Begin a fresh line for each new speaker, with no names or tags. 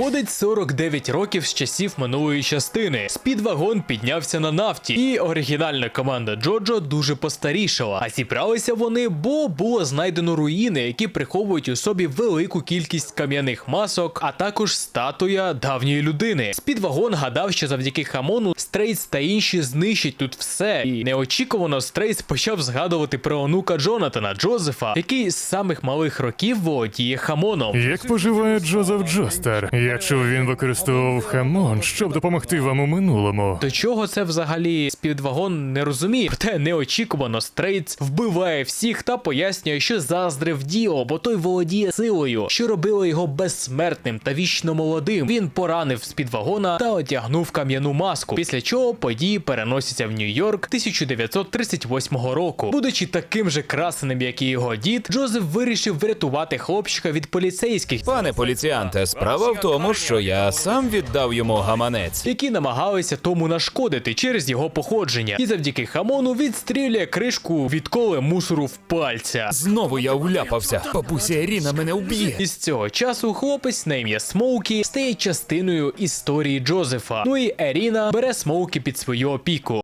Проходить 49 років з часів минулої частини. Спідвагон піднявся на нафті, і оригінальна команда Джоджо дуже постарішала. А зібралися вони, бо було знайдено руїни, які приховують у собі велику кількість кам'яних масок, а також статуя давньої людини. Спідвагон гадав, що завдяки Хамону Стрейц та інші знищать тут все. І неочікувано Стрейц почав згадувати про онука Джонатана, Джозефа, який з самих малих років володіє Хамоном.
Як поживає Джозеф Джостер? Я чув, він використовував Хамон, щоб допомогти вам у минулому.
До чого це взагалі Спідвагон не розуміє, проте неочікувано Стрейц вбиває всіх та пояснює, що заздрив Діо, бо той володіє силою, що робило його безсмертним та вічно молодим. Він поранив Спідвагона та одягнув кам'яну маску, після чого події переносяться в Нью-Йорк 1938 року. Будучи таким же красеним, як і його дід, Джозеф вирішив врятувати хлопчика від поліцейських,
Пане поліціанте, справа в тому, що я сам віддав йому гаманець.
які намагалися тому нашкодити через його походження. І завдяки Хамону відстрілює кришку від коли мусору в пальця.
Знову я вляпався. Бабуся Ірина мене вб'є.
І з цього часу хлопець на ім'я Смоукі стає частиною історії Джозефа. Ну і Еріна бере Смоукі під свою опіку.